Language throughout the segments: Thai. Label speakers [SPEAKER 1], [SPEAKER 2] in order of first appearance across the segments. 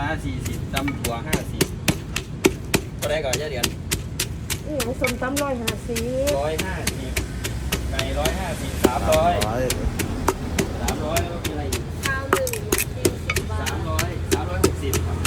[SPEAKER 1] 40ตำถั่ว50ก็ได้ก่อนเยอะเดือน
[SPEAKER 2] นี่ของส้มตำ150
[SPEAKER 1] 150ไก่150 300แล้วมีอะไรอีก
[SPEAKER 3] ข้าว1กิน10 บาท
[SPEAKER 1] 360ครับ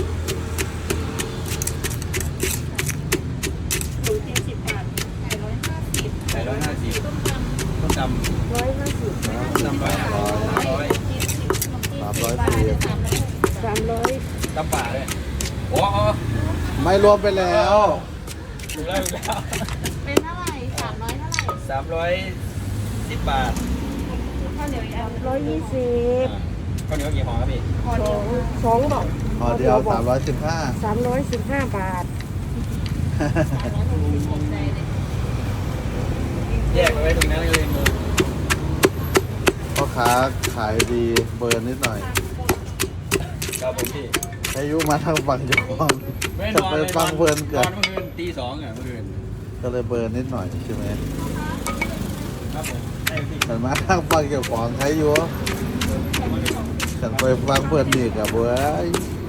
[SPEAKER 3] หมูกิน10 บาทไก่150
[SPEAKER 1] ต้มตำ
[SPEAKER 2] 150
[SPEAKER 1] ตำ100
[SPEAKER 3] กิน10ขนมจีน10 บาท
[SPEAKER 2] 300
[SPEAKER 1] ตำป่าเลยโอ้โห
[SPEAKER 4] ไม่รวมไปแล้ว
[SPEAKER 1] ถูกแล้ว
[SPEAKER 3] เป็นเท่าไหร่300เท่าไหร่
[SPEAKER 1] 310 บาท
[SPEAKER 3] ข้าวเหนียวอีกอัน
[SPEAKER 2] 120
[SPEAKER 1] ข้าวเหนียวกี่ห่อครับพี่
[SPEAKER 3] พอเดียว
[SPEAKER 2] 2บอก
[SPEAKER 4] พอเดียว315
[SPEAKER 2] 315 บาท
[SPEAKER 3] 360ใจเลย
[SPEAKER 1] แยกเอาไว้ตรงนั้นเลยมือ
[SPEAKER 4] พ่อค้าขายดีเบิร์นนิดหน่อย
[SPEAKER 1] ครับผมพี่
[SPEAKER 4] อายุมาทางฝั่งยอง
[SPEAKER 1] ไม่น
[SPEAKER 4] จะ
[SPEAKER 1] อน
[SPEAKER 4] ไป
[SPEAKER 1] เลย
[SPEAKER 4] ฟังเบิร์น
[SPEAKER 1] น
[SPEAKER 4] เกิ
[SPEAKER 1] อ
[SPEAKER 4] ด
[SPEAKER 1] นเมื่อคืนตี 2อ่ะเมื่อคืน
[SPEAKER 4] ก็เลยเบิร์นนิดหน่อยใช่ไหม
[SPEAKER 1] ครับผมใช่พี่
[SPEAKER 4] แต่มาทางฝั่งเจ้าของใช้อยู่ฉันไปฟังเบิร์นนี่กับเว้ย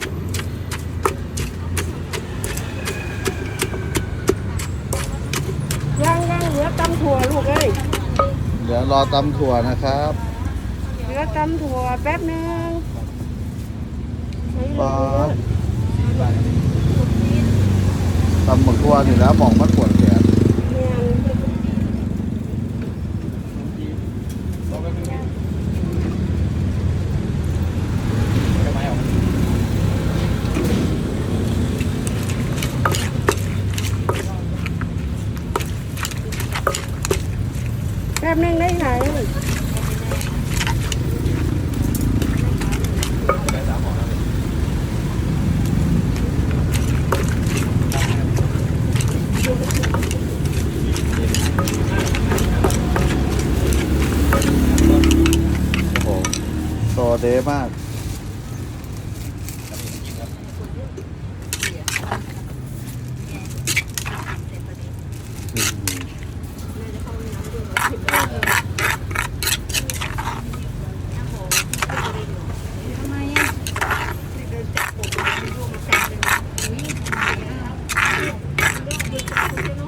[SPEAKER 2] ย่างเหลือตำถั่วลูกเอ้ย
[SPEAKER 4] เดี๋ยวรอตำถั่วนะครับ
[SPEAKER 2] เหลือตำถั่วแป๊บนึง
[SPEAKER 4] ปอดตำหมึกทั่วนี่นะหมองมันปวดแขน
[SPEAKER 2] เนี่ย
[SPEAKER 1] บอกไปเพิ่งทำไมออก
[SPEAKER 2] แป๊บนึงได้ไหน
[SPEAKER 1] ได้3ห่อแล้ว
[SPEAKER 4] โอ้โหโซเดมากอืม
[SPEAKER 3] ทำไมอ่ะเดินจับผมดูมันจับเลยอุ้ยทำไมอ่ะ